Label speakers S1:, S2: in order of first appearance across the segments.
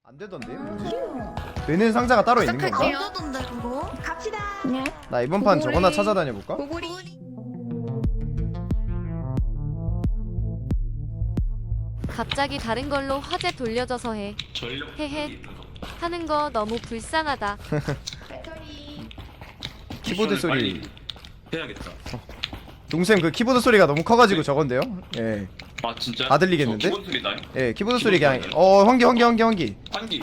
S1: 안 되던데? 뭐지? 되는 상자가 따로 있는 건가?
S2: 안 되던데 그거?
S3: 갑시다.
S2: 네.
S1: 나 이번 판 저거나 찾아다녀 볼까?
S3: 고구리.
S4: 갑자기 다른 걸로 화제 돌려줘서 해. 헤헤. 하는 거 너무 불쌍하다.
S3: 배터리.
S1: 키보드 소리.
S5: 해야겠다.
S1: 동생 그 키보드 소리가 너무 커가지고 저건데요? 예.
S5: 아 진짜?
S1: 다 들리겠는데?
S5: 기본 소리 나요?
S1: 예, 키보드 소리
S5: 키보드
S1: 그냥
S5: 소리요?
S1: 환기.
S5: 환기.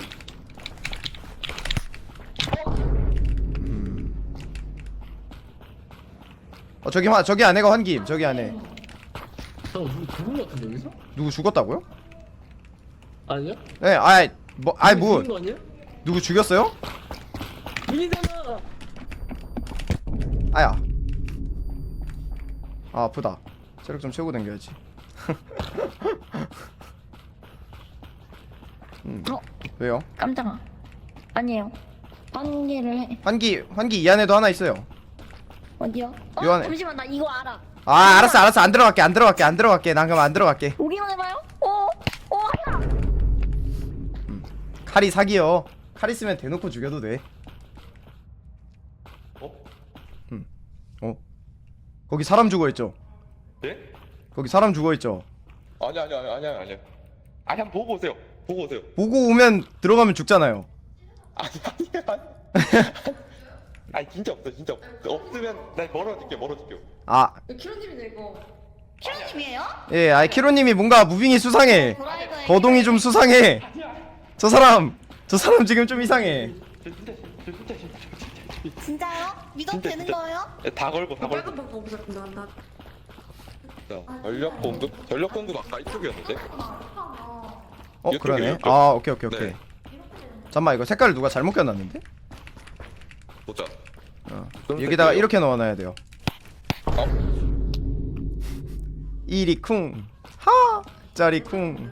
S1: 저기 안에가 환기임. 저기 안에.
S6: 누구 죽은 거 같은데 여기서?
S1: 누구 죽었다고요?
S6: 아니야?
S1: 예, 뭐
S6: 죽은 거 아니야?
S1: 누구 죽였어요?
S6: 민이잖아.
S1: 아야. 아, 아프다. 체력 좀 채우고 당겨야지. 왜요?
S2: 깜짝아. 아니에요. 환기를 해.
S1: 환기 이 안에도 하나 있어요.
S2: 어디요?
S1: 요 안에.
S2: 잠시만 나 이거 알아.
S1: 아, 알았어. 안 들어갈게. 난 그럼 안 들어갈게.
S2: 오기만 해봐요. 아야.
S1: 칼이 사기요. 칼 있으면 대놓고 죽여도 돼. 거기 사람 죽어있죠?
S5: 네?
S1: 거기 사람 죽어있죠?
S5: 아니야. 아니 한번 보고 오세요.
S1: 보고 오면 들어가면 죽잖아요.
S5: 아니야. 아니 진짜 없어. 없으면 날 멀어질게요.
S1: 아,
S3: 키로님이네 이거.
S2: 키로님이에요?
S1: 예, 아이 키로님이 뭔가 무빙이 수상해.
S2: 드라이버에
S1: 거동이 좀 수상해. 저 사람 지금 좀 이상해.
S2: 진짜요? 믿어도
S5: 진짜,
S2: 되는
S5: 진짜.
S2: 거예요?
S5: 다 걸고.
S3: 빨간 방법 없었구나. 나.
S5: 전력 공급 아까 이쪽이었는데.
S1: 그러네.
S5: 이쪽.
S1: 아, 오케이.
S5: 네.
S1: 잠깐만, 이거 색깔을 누가 잘못 껴놨는데?
S5: 보자.
S1: 여기다가 이렇게 넣어놔야 돼요.
S5: 어?
S1: 이리 쿵 하 짜리 쿵.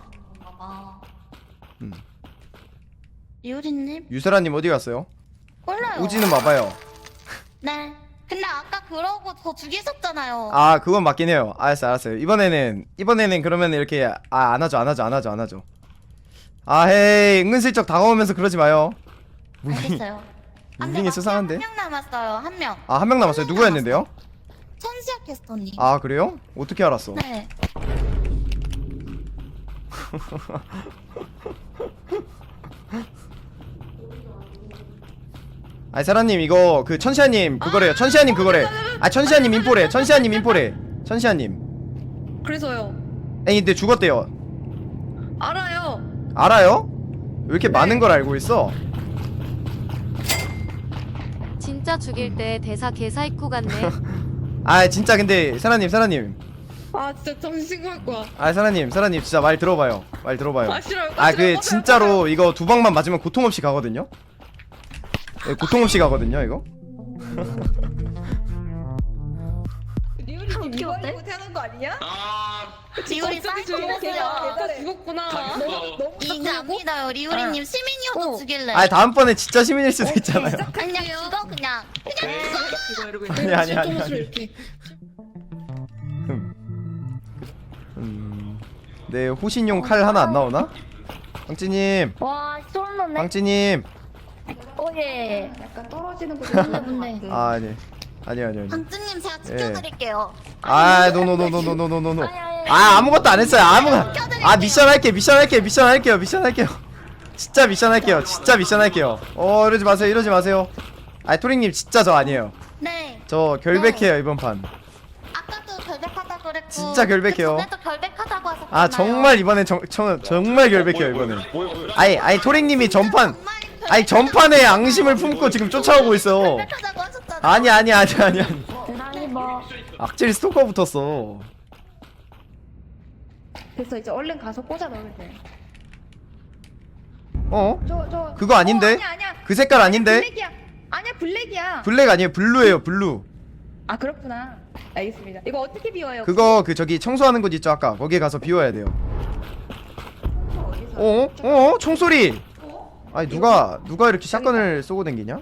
S2: 이효리님?
S1: 유세라님 어디 갔어요?
S2: 몰라요.
S1: 오지는 마봐요.
S2: 네. 근데 아까 그러고 저 죽이셨잖아요.
S1: 아, 그건 맞긴 해요. 알았어요. 이번에는 그러면 이렇게 안 하죠. 아, 헤이, 은근슬쩍 다가오면서 그러지 마요.
S2: 알겠어요.
S1: 무빙이 수상한데?
S2: 한 명 남았어요. 한 명.
S1: 아, 한 명 남았어요. 누구였는데요?
S2: 천시아 캐스터님.
S1: 아, 그래요? 어떻게 알았어?
S2: 네.
S1: 아니, 사라님 이거 그 천시아님 그거래요. 천시아님 그거래. 아, 천시아님 인포래. 천시아님.
S3: 그래서요.
S1: 아니, 근데 죽었대요.
S3: 알아요.
S1: 알아요? 왜 이렇게 많은 걸 알고 있어?
S4: 진짜 죽일 때 대사 개사이코 같네.
S1: 아, 진짜 근데 사라님.
S3: 아 진짜 정신 신고할 거야.
S1: 아, 사라님 진짜 말 들어봐요.
S3: 아 싫어요.
S1: 아, 그 진짜로 이거 두 방만 맞으면 고통 없이 가거든요. 네, 고통 없이 가거든요, 이거.
S3: 리오리님 이거
S2: 어때?
S3: 알고 태어난 거 아니야?
S2: 리오리
S3: 갑자기
S2: 사이코
S3: 죽었어요.
S2: 됐어요.
S3: 죽었구나.
S5: 너무
S2: 이제 안 믿어요. 리오리님 시민이어도 죽일래.
S1: 아, 다음번에 진짜 시민일 수도 있잖아요.
S2: 그냥 죽어 그냥.
S3: 이거 이러고 있네.
S1: 아니.
S3: 실동수를 이렇게.
S1: 네, 호신용 칼 하나 안 나오나? 빵찌님,
S2: 와 소름 돋네.
S1: 빵찌님.
S2: 오예.
S3: 약간 떨어지는 거.
S2: 뭔데?
S1: 아, 아니요.
S2: 방주님 제가
S1: 예.
S2: 지켜드릴게요.
S1: 아, 노. 아, 아무것도 안 했어요. 아, 미션 할게요. 진짜 미션 할게요. 이러지 마세요. 아, 토링님 진짜 저 아니에요.
S2: 네.
S1: 저 결백해요, 이번 판.
S2: 아까도 결백하다 그랬고.
S1: 진짜 결백해요.
S2: 그 전에도 결백하다고 하셨잖아요.
S1: 아, 정말 이번엔 정말 결백해요, 이번엔. 아니, 토링님이 전판에 앙심을 품고 지금 쫓아오고 있어.
S2: 결백하다고 하셨잖아요.
S1: 아니.
S2: 아니 뭐.
S1: 악질 스토커 붙었어.
S3: 됐어 이제 얼른 가서 꽂아 넣으면 돼. 저.
S1: 그거 아닌데?
S3: 아니야.
S1: 그 색깔 아닌데?
S3: 블랙이야. 아니야 블랙이야.
S1: 블랙 아니에요, 블루예요, 블루.
S3: 아 그렇구나. 알겠습니다. 이거 어떻게 비워요?
S1: 그거 저기 청소하는 곳 있죠, 아까 거기에 가서 비워야 돼요. 총소리. 아니, 누가 이렇게 샷건을 쏘고 댕기냐?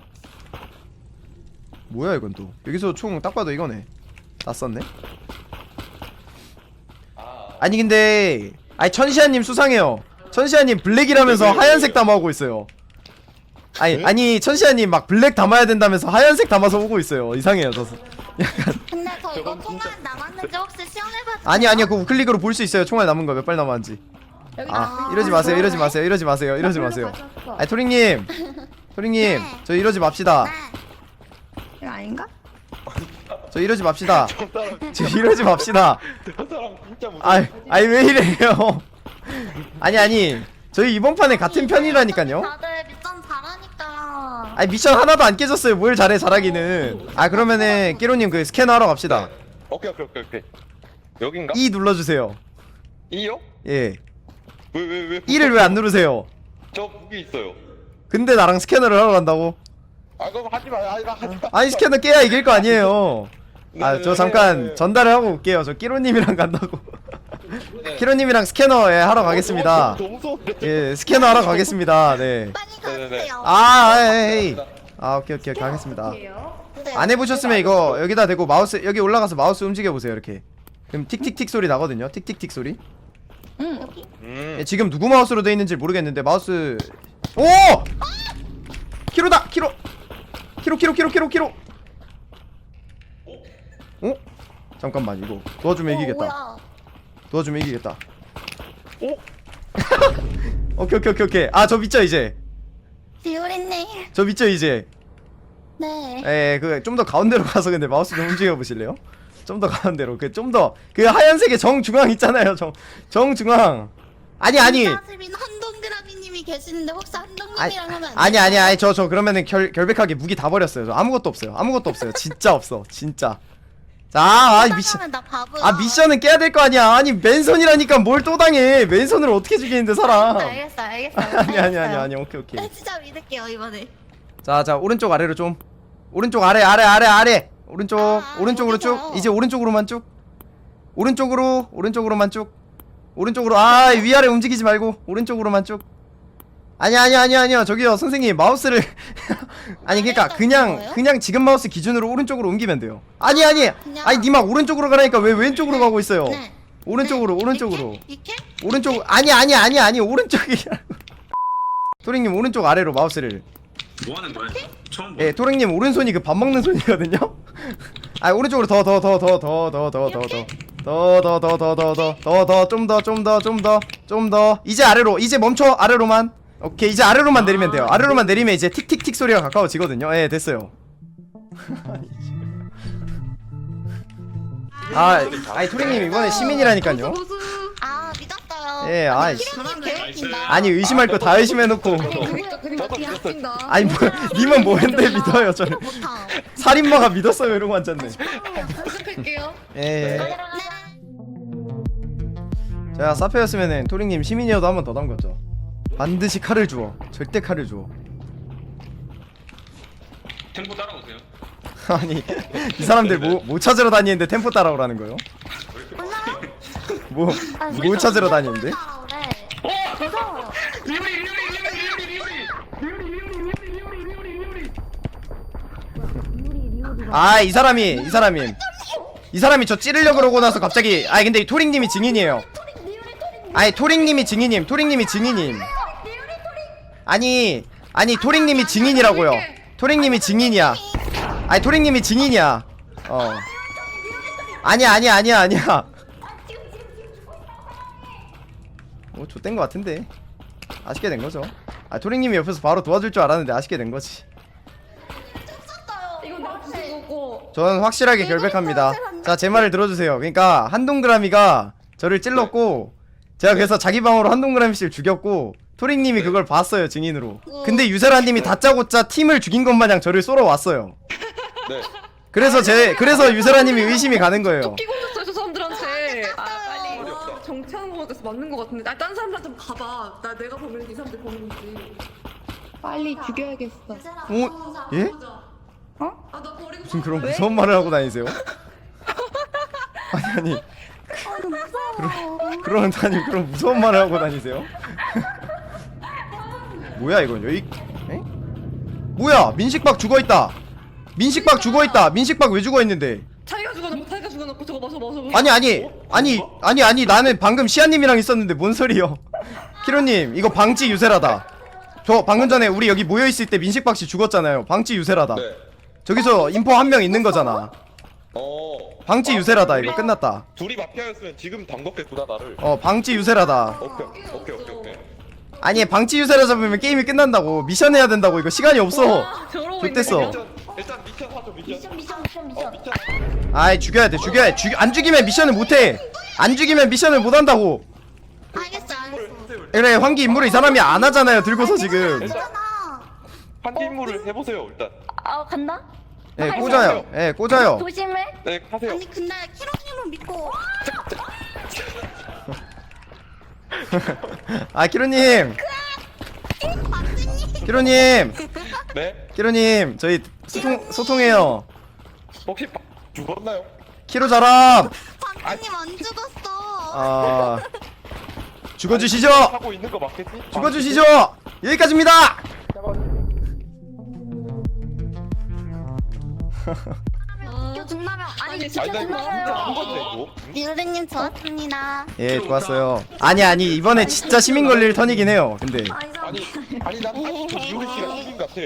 S1: 뭐야 이건 또. 여기서 총 딱 봐도 이거네. 낯섰네. 아니, 근데 천시아님 수상해요. 천시아님 블랙이라면서 하얀색 담아오고 있어요. 아니 천시아님 막 블랙 담아야 된다면서 하얀색 담아서 오고 있어요. 이상해요 저.
S2: 근데 저 이거
S5: 저건 진짜-
S2: 통화 남았는지 혹시 시험해봐도
S1: 아니요 그거 우클릭으로 볼 수 있어요. 총알 남은 거 몇 발 남았는지.
S3: 여기
S1: 아 이러지 마세요 이러지 마세요 이러지 마세요 이러지 마세요. 아니 토링님
S2: 네.
S1: 저 이러지 맙시다.
S3: 이거 아닌가?
S1: 저 이러지 맙시다. 저 이러지 맙시다.
S5: 저 사람 진짜 무서워.
S1: 아니 왜 이래요? 아니 저희 이번 판에 같은 편이라니까요.
S2: 다들 미션 잘하니까.
S1: 아니 미션 하나도 안 깨졌어요. 뭘 잘해 잘하기는. 아 그러면은 끼로님 그 스캐너 하러 갑시다.
S5: 오케이. 여긴가?
S1: E 눌러주세요.
S5: 이요?
S1: 예.
S5: 왜?
S1: E를 왜 안 누르세요?
S5: 저 무기 있어요.
S1: 근데 나랑 스캐너를 하러 간다고?
S5: 아 그럼 하지 마.
S1: 아니 스캐너 깨야 이길 거 아니에요. 아 저 잠깐
S5: 네.
S1: 전달을 하고 올게요. 저 끼로님이랑 간다고. 끼로님이랑 스캐너 예 하러 가겠습니다.
S5: 너무 무서운데.
S1: 예 스캐너 하러 가겠습니다. 네.
S2: 빨리
S5: 네네네.
S2: 가세요.
S1: 아 오케이 가겠습니다.
S2: 네.
S1: 안 해보셨으면 이거 여기다 대고 마우스 여기 올라가서 마우스 움직여 보세요 이렇게. 그럼 틱틱틱 소리 나거든요. 틱틱틱 소리. 예, 지금 누구 마우스로 돼 있는지 모르겠는데 마우스. 오! 키로다 키로. 어? 잠깐만 이거 도와주면 이기겠다.
S2: 뭐야.
S1: 도와주면 이기겠다. 오케이. 아 저 믿죠 이제.
S2: 비오리님.
S1: 저 믿죠 이제.
S2: 네.
S1: 그 좀 더 가운데로 가서 근데 마우스 좀 움직여 보실래요? 좀 더 가운데로. 그 좀 더 그 하얀색의 정중앙 있잖아요. 정중앙. 아니.
S2: 사실은 한동그라미님이 계시는데 혹시 한동님이랑 하면 안 돼요?
S1: 아니 저 그러면은 결백하게 무기 다 버렸어요. 저 아무것도 없어요. 진짜 없어. 진짜. 자, 미션.
S2: 하면 나 바보야.
S1: 미션은 깨야 될 거 아니야. 아니 맨손이라니까 뭘 또 당해. 맨손을 어떻게 죽이는데 사람.
S2: 알겠어.
S1: 아니. 오케이.
S2: 네, 진짜 믿을게요 이번에.
S1: 자 오른쪽 아래로 좀. 오른쪽 아래. 오른쪽 오른쪽으로 쭉.
S2: 어디서요?
S1: 이제 오른쪽으로만 쭉. 오른쪽으로만 쭉. 오른쪽으로. 아 위아래 움직이지 말고 오른쪽으로만 쭉. 아니요 저기요 선생님 마우스를 아니 그러니까 그냥 지금 마우스 기준으로 오른쪽으로 옮기면 돼요. 아니 니막 오른쪽으로 가라니까 왜 왼쪽으로 가고 있어요?
S2: 네.
S1: 오른쪽으로
S2: 이렇게?
S1: 오른쪽. 아니 오른쪽이 토링님 오른쪽 아래로 마우스를.
S7: 뭐 하는 거야? 처음 봐.
S1: 예 토링님 오른손이 그 밥 먹는 손이거든요. 아 오른쪽으로 더 좀 더 이제 아래로. 이제 멈춰. 아래로만. 오케이 이제 아래로만 내리면 돼요. 아래로만 내리면 이제 틱틱틱 소리가 가까워지거든요. 예 됐어요. 아니 토링님 이번에 시민이라니까요.
S2: 아 믿었어요.
S1: 예, 아이,
S2: 키로님 개웃긴다.
S1: 아니 의심할 거 다 의심해놓고.
S3: 그니까 뒤에 합친다.
S1: 아니 뭐 님은 뭐했는데 믿어요 저를.
S2: 못함.
S1: 살인마가 믿었어요 이러고 앉았네.
S3: 연습할게요.
S1: 예.
S2: 네.
S1: 제가 사페였으면은 토링님 시민이어도 한 번 더 담궜죠. 반드시 칼을 주워. 절대 칼을 주워.
S7: 템포 따라오세요.
S1: 아니 이 사람들 뭐 찾으러 다니는데 템포 따라오라는 거요? 뭐 찾으러 다니는데?
S2: 무서워.
S1: 아 이 사람이 저 찌르려고 그러고 나서 갑자기. 아니 근데 이 토링님이 증인이에요. 아니 토링님이 증인임. 아니 토링님이 증인이라고요. 토링님이 증인이야. 아니 토링님이 증인이야. 아니야. 뭐 좆된 거 같은데. 아쉽게 된 거죠. 아 토링님이 옆에서 바로 도와줄 줄 알았는데 아쉽게 된 거지.
S3: 이거 내가 부순 거고.
S1: 저는 확실하게 결백합니다. 자, 제 말을 들어주세요. 그러니까 한동그라미가 저를 찔렀고 제가 그래서 자기 방어로 한동그라미 씨를 죽였고 토링님이 그걸 봤어요 증인으로. 근데 유세라님이 다짜고짜 팀을 죽인 것 마냥 저를 쏘러 왔어요.
S5: 네.
S1: 그래서 유세라님이 의심이 가는 거예요.
S3: 끼고 있었어요 저 사람들한테. 아 빨리
S5: 어디 없다.
S3: 정치하는 거 같아서 맞는 거 같은데. 딴 사람들한테 좀 가봐. 내가 보면 이 사람들 보는지. 빨리 죽여야겠어.
S1: 어? 예?
S3: 어? 아나 버리고
S1: 무슨 그런 무서운 말을 하고 다니세요? 아니 그런 무서운 말을 하고 다니세요? 뭐야 이건 여기? 에? 뭐야 민식박 죽어있다. 민식박 왜 죽어있는데?
S3: 자기가 죽어놓고 저거 마셔.
S1: 아니 나는 방금 시아님이랑 있었는데 뭔 소리요? 키로님 이거 방치 유세라다. 저 방금 전에 우리 여기 모여있을 때 민식박씨 죽었잖아요. 방치 유세라다.
S5: 네.
S1: 저기서 인포 한 명 있는 거잖아. 방치 유세라다. 이거 끝났다.
S5: 둘이 마피아였으면 지금 담궜겠구나 나를.
S1: 방치 유세라다.
S5: 오케이.
S1: 아니 방치 유세라 잡으면 게임이 끝난다고. 미션 해야 된다고. 이거 시간이 없어. 좋댔어.
S5: 일단 미션 하죠 미션.
S2: 미션.
S5: 미션.
S1: 아이 죽여야 돼. 안 죽이면 미션을 못해. 안 죽이면 미션을 못한다고.
S2: 알겠어.
S1: 그래 환기 임무를 이 사람이 안 하잖아요. 들고서 지금.
S2: 괜찮아.
S5: 한기 임무를 해보세요 일단.
S2: 간다?
S1: 예 꽂아요. 예 꽂아요.
S2: 조심해.
S5: 네 하세요.
S2: 아니 근데 키로님은 믿고.
S1: 아 키로님. 키로님.
S5: 네.
S1: 키로님 저희 소통해요.
S5: 혹시 죽었나요?
S1: 키로 자람.
S2: 박사님 안 죽었어.
S1: 아 죽어주시죠.
S5: 하고 있는 거 맞겠지?
S1: 죽어주시죠. 여기까지입니다.
S2: 이거 죽나면 아니
S3: 진짜
S5: 아니 나 이거 진짜 안 건데 이거.
S2: 유르님 좋았습니다.
S1: 예 좋았어요. 아니 이번에 진짜 시민 걸릴 턴이긴 해요. 근데
S5: 아니 난 아직도 이효리 씨가 시민 같아.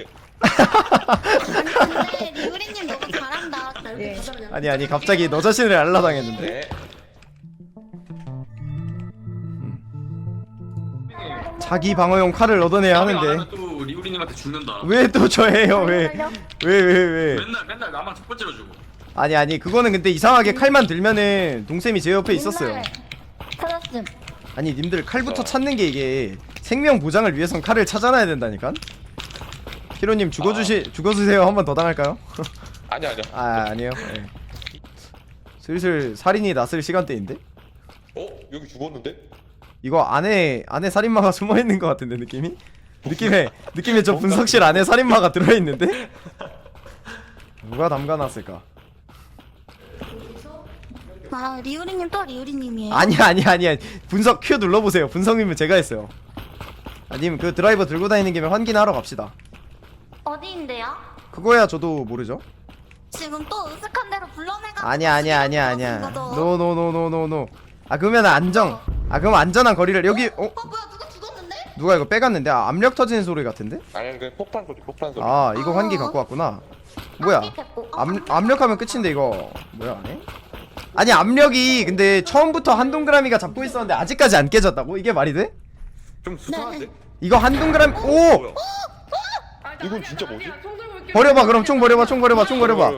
S2: 근데 유리님 너무 잘한다.
S1: 아니 갑자기 너 자신을 알라당했는데.
S5: 네.
S1: 자기 방어용 칼을 얻어내야 하는데
S7: 또 리우리님한테 죽는다.
S1: 왜 또 저예요? 왜?
S7: 맨날 나만 첫 번째로 주고.
S1: 아니 그거는 근데 이상하게 칼만 들면은 동쌤이 제 옆에 있었어요.
S2: 찾았음.
S1: 아니 님들 칼부터 찾는 게 이게 생명 보장을 위해선 칼을 찾아놔야 된다니까. 히로님 죽어주세요. 한 번 더 당할까요?
S5: 아니야.
S1: 아니에요. 예. 슬슬 살인이 났을 시간대인데.
S5: 여기 죽었는데?
S1: 이거 안에 살인마가 숨어 있는 것 같은데 느낌이 저 분석실 안에 살인마가 들어 있는데 누가 담가놨을까?
S2: 리우리님 또 리우리님이에요.
S1: 아니야 분석 큐 눌러보세요. 분석이면 제가 했어요. 아님 그 드라이버 들고 다니는 김에 환기나 하러 갑시다.
S2: 어디인데요?
S1: 그거야 저도 모르죠.
S2: 지금 또 으슥한 대로 불러내가.
S1: 아니야. 노. 그럼 안전한 거리를 여기
S2: 뭐야 누가 죽었는데?
S1: 누가 이거 빼갔는데? 압력 터지는 소리 같은데?
S5: 아니 그 폭탄 소리.
S1: 이거 환기 갖고 왔구나. 뭐야? 압력하면 끝인데 이거 뭐야 안 해? 아니 압력이 근데 처음부터 한 동그라미가 잡고 있었는데 아직까지 안 깨졌다고? 이게 말이 돼?
S5: 좀 수상한데?
S1: 이거 한 동그라미 오!
S5: 이건 진짜 뭐지?
S1: 버려봐 그럼 총 버려봐.
S7: 유타라다.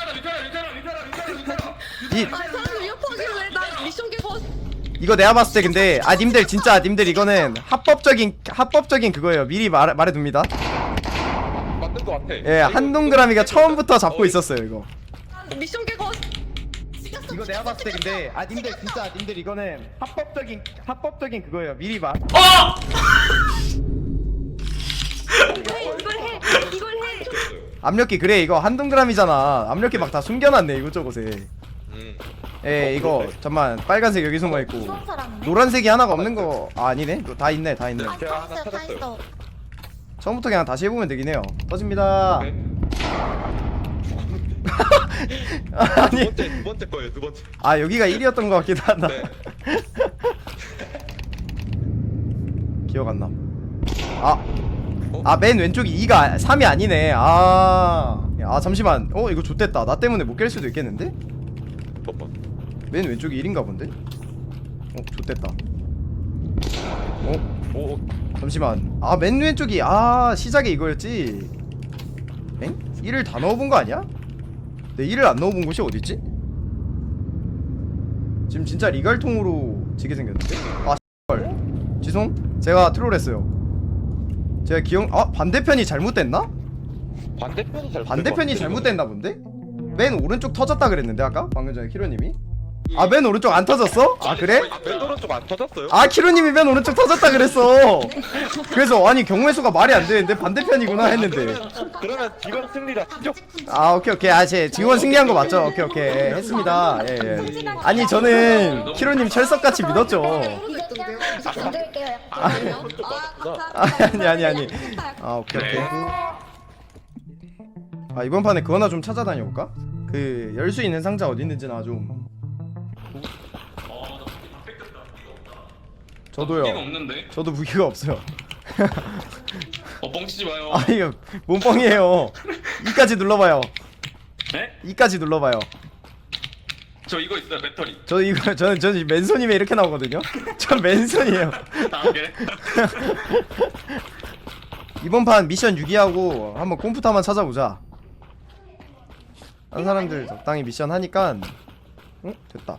S1: 이
S3: 사람들 이어폰이래. 나 미션 깨고.
S1: 이거 내가 봤을 때 근데 님들 이거는 합법적인 그거예요. 미리 말해둡니다.
S5: 맞는 거 같아.
S1: 예, 한 동그라미가 처음부터 잡고 있었어요 이거.
S3: 미션 깨고.
S1: 이거 내가 봤을 때 근데 님들 이거는 합법적인 그거예요. 미리 말.
S3: 이걸 해.
S1: 압력기 그래 이거 한 동그라미잖아. 압력기 막 다 숨겨놨네 이곳저곳에. 예 이거 잠만 빨간색 여기 숨어있고 노란색이 하나가 없는 거 아니네? 다 있네.
S2: 다
S5: 제가 하나
S2: 있어.
S5: 찾았어요.
S1: 처음부터 그냥 다시 해보면 되긴 해요. 터집니다. 아니
S5: 두 번째 거예요. 두 번째.
S1: 아 여기가 1위였던 것 같기도 하다.
S5: 네.
S1: 기억 안 나. 맨 왼쪽이 2가 3이 아니네. 잠시만. 이거 좆됐다. 나 때문에 못 깰 수도 있겠는데? 맨 왼쪽이 1인가 본데? 좆됐다. 잠시만. 맨 왼쪽이 시작에 이거였지. 엥? 1을 다 넣어본 거 아니야? 내 1을 안 넣어본 곳이 어딨지? 지금 진짜 리갈통으로 지게 생겼는데? 헐. 지송? 제가 트롤했어요. 제가 반대편이 잘못됐나? 반대편이 잘못됐나 본데? 맨 오른쪽 터졌다 그랬는데 아까? 방금 전에 키로님이? 맨 오른쪽 안 터졌어? 그래?
S5: 맨 오른쪽 안 터졌어요?
S1: 키로님이 맨 오른쪽 터졌다 그랬어. 그래서 아니 경우의 수가 말이 안 되는데 반대편이구나 했는데.
S5: 그러면 지금 승리라 치죠?
S1: 오케이. 제 지원 승리한 거 맞죠? 오케이. 했습니다. 예. 아니 저는 키로님 철석같이 믿었죠.
S2: 만들게요.
S1: 아니. 오케이. 이번 판에 그거 하나 좀 찾아다녀 볼까? 그 열 수 있는 상자 어디 있는지 나 좀 저도요.
S7: 무기가 없는데.
S1: 저도 무기가 없어요.
S7: 뻥치지 마요.
S1: 아 이거 뭔 뻥이에요. 이까지 눌러봐요.
S7: 네?
S1: 이까지 눌러봐요.
S7: 저 이거 있어요 배터리.
S1: 저 이거 저는 맨손이면 이렇게 나오거든요. 전 맨손이에요.
S7: 아 그래?
S1: 이번 판 미션 6위하고 한번 컴퓨터 한번 찾아보자. 한 사람들 적당히 미션 하니까. 응? 됐다.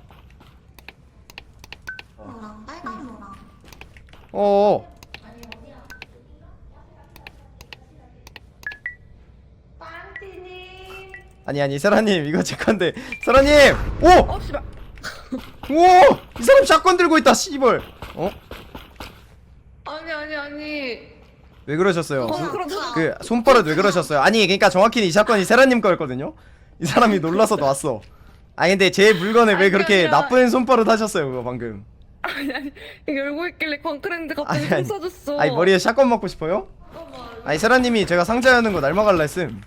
S2: 노랑 빨간 노랑.
S1: 어어.
S3: 빵티님.
S1: 아니 세라님 이거 제 건데. 세라님. 오.
S3: 어 씨발.
S1: 오. 이 사람 샷건 들고 있다. 씨발. 어?
S3: 아니.
S1: 왜 그러셨어요?
S3: 그렇잖아.
S1: 그 손버릇 왜 그러셨어요? 아니 그러니까 정확히는 이 사건이 세라님 거였거든요. 이 사람이 놀라서 놨어. 아니 근데 제 물건에 왜
S3: 아니,
S1: 그렇게
S3: 아니라-
S1: 나쁜 손버릇 하셨어요 그거 방금?
S3: 아니 이게 열고 있길래 광크랜드 갑자기
S1: 아니,
S3: 손 써줬어.
S1: 아니 머리에 샷건 먹고 싶어요? 아니 세라님이 제가 상자 여는 거 날먹을라 했음.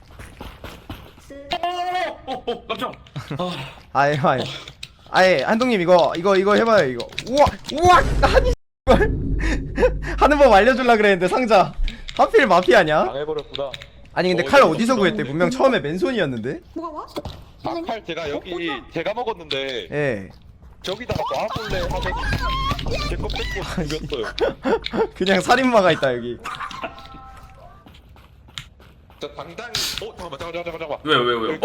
S7: 깜짝.
S1: 아예 한동님 이거 해봐요 이거. 우와 아니 하는 법 알려줄라 그랬는데 상자 하필 마피아냐?
S5: 당해버렸구나.
S1: 아니 근데 칼 어디서 구했대? 분명 처음에 맨손이었는데?
S3: 뭐가 와?
S5: 아칼 제가 여기 제가 먹었는데
S1: 예.
S5: 저기다가 놔볼래 하더니 제거 뺏고 죽였어요.
S1: 그냥 살인마가 있다 여기.
S5: 자 당당히 잠깐만.
S7: 왜?
S5: 여기-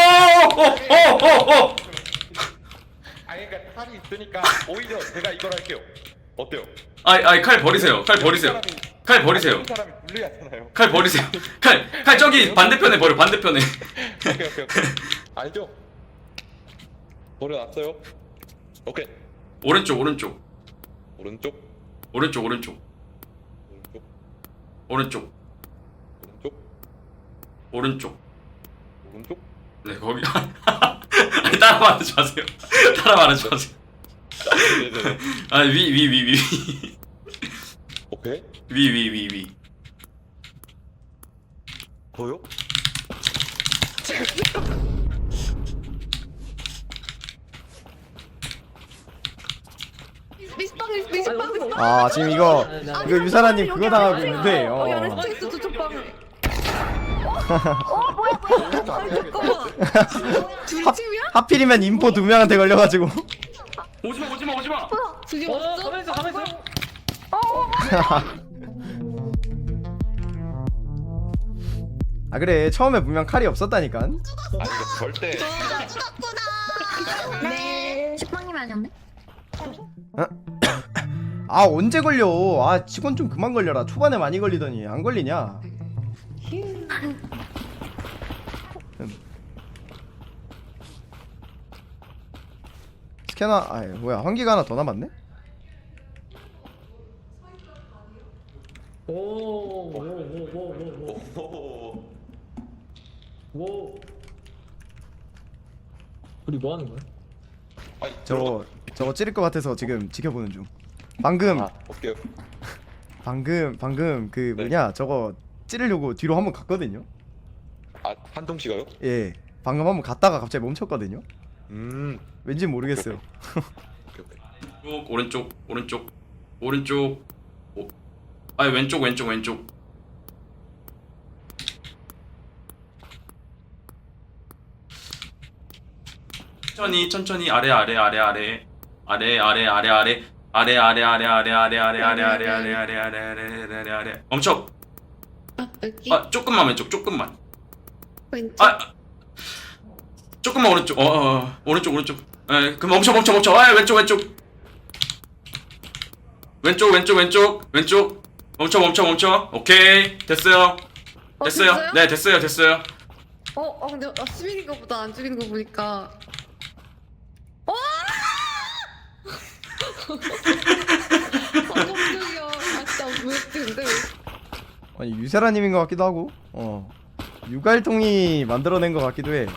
S7: 오!
S5: 아니 그러니까 칼이 있으니까 오히려 제가 이걸 할게요. 어때요?
S7: 아이 칼 버리세요. 칼 버리세요. 칼 버리세요.
S5: 이 사람이 불리하잖아요.
S7: 칼 버리세요. 칼 저기 반대편에 버려. 반대편에.
S5: 오케이. 알죠? 버려놨어요. 오케이.
S7: 오른쪽.
S5: 오른쪽.
S7: 네 거기. 아니 따라 말하지 마세요.
S5: 네네네.
S7: 아 위.
S5: 오케이.
S7: 위.
S5: 더요?
S3: 미스빵.
S1: 아 지금 이거 유사라님 그거 당하고 있는데.
S3: 여기 안에
S1: 어.
S3: 스쳐 있어 저쪽 방에.
S2: 뭐야?
S3: 둘이 팀이야?
S1: 하필이면 인포 2명한테 걸려가지고.
S7: 오지마.
S3: 둘이
S6: 어,
S3: 없어?
S6: 가만있어.
S1: 아 그래 처음에 분명 칼이 없었다니까.
S5: 아니 이거 절대
S2: 네. 식빵님이 아니었네?
S1: 아 언제 걸려? 아 직원 좀 그만 걸려라. 초반에 많이 걸리더니 안 걸리냐? 스캐너 아 뭐야 환기가 하나 더 남았네?
S6: 오. 우리 뭐 하는 거야?
S5: 아니
S1: 저거 찌를 것 같아서 지금 지켜보는 중. 방금
S5: 오케이.
S1: 방금 그
S5: 네.
S1: 뭐냐 저거 찌르려고 뒤로 한번 갔거든요.
S5: 아 한동 씨가요?
S1: 예 방금 한번 갔다가 갑자기 멈췄거든요.
S5: 음.
S1: 왠지 모르겠어요.
S5: 오케이.
S7: 오른쪽. 아니 왼쪽. 천천히 아래 멈춰.
S3: 여기
S7: 아 조금만 왼쪽 조금만.
S3: 왼쪽.
S7: 아 조금만 오른쪽. 오른쪽. 에 그럼 멈춰. 아 왼쪽. 멈춰. 오케이 됐어요.
S3: 됐어요?
S7: 네 됐어요.
S3: 근데 수빈이 거보다 안 죽이는 거 보니까. 깜짝이야. 아 진짜 왜 근데
S1: 아니 유세라님인 것 같기도 하고. 유갈통이 만들어낸 것 같기도 해.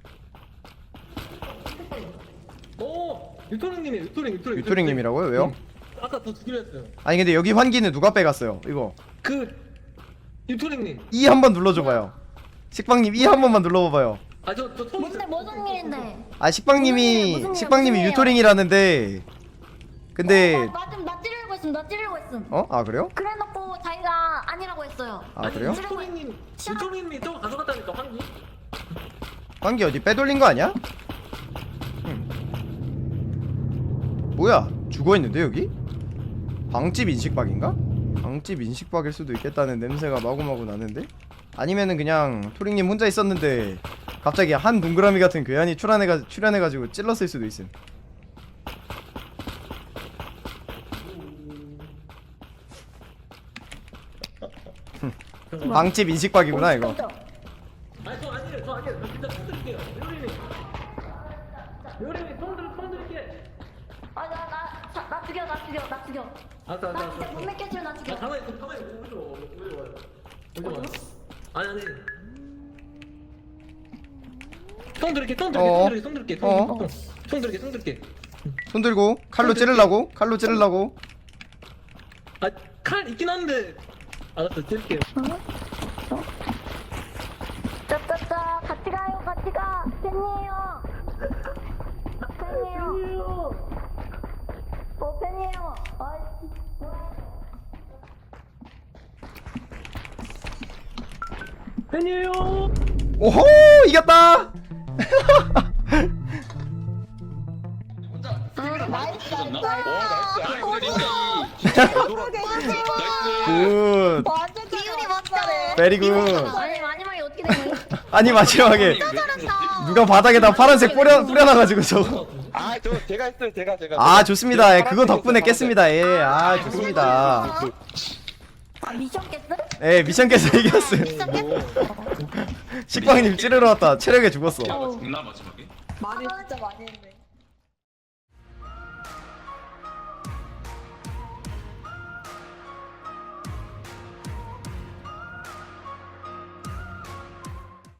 S1: 유토링님이라고요? 왜요?
S6: 아까 더 두기로 했어요.
S1: 아니 근데 여기 환기는 누가 빼갔어요? 이거
S6: 유토링님.
S1: E 한번 눌러줘봐요. 식빵님 E 한 번만 눌러봐봐요.
S6: 저 처음
S2: 뭔데 무슨 일인데?
S1: 아 식빵님이
S2: 무슨 일이야,
S1: 식빵님이
S2: 무슨 일이야?
S1: 유토링이라는데 근데
S2: 나 찌르고 찌르려고 했음.
S1: 어? 아 그래요?
S2: 그래놓고 자기가 아니라고 했어요.
S1: 아 그래요?
S6: 유토리님이 또 가져갔다니까 환기.
S1: 관계 어디 빼돌린 거 아니야? 뭐야? 죽어있는데 여기? 방집 인식박인가? 방집 인식박일 수도 있겠다는 냄새가 마구마구 나는데? 아니면은 그냥 토링님 혼자 있었는데 갑자기 한 동그라미 같은 괴한이 출현해가지고 찔렀을 수도 있음. 방집 인식박이구나 이거.
S6: 아니 저 아니에요. 저 진짜 손 드릴게요. 요리님 손 드릴게.
S2: 나 죽여.
S6: 알았어.
S2: 나 진짜 못 믿겠지만 나 죽여.
S6: 가만히 오지 마. 아니. 손 드릴게. 손 드릴게.
S1: 손 들고 칼로 찌르려고?
S6: 칼 있긴 한데. 알았어, 드릴게요.
S2: 짜짜짜 같이 가. 팬이에요. 팬이에요.
S6: 팬이에요.
S1: 오호 이겼다.
S2: 나이스.
S1: 굿.
S2: 완전 기운이 멋져네.
S1: 베리 굿.
S2: 아니 마지막에 어떻게 되니?
S1: 아니 마지막에 누가 바닥에다 파란색 뿌려놔가지고 저거.
S5: 아저 제가 했어요 제가.
S1: 아 좋습니다. 예, 그거 덕분에 깼습니다. 예, 아 좋습니다.
S2: 아 미션 깼어?
S1: 예, 미션 깨서 이겼어요.
S2: 미션 깼어?
S1: 식빵님 찌르러 왔다 체력에 죽었어.
S7: 나 마지막에
S3: 많이 진짜 많이 했네.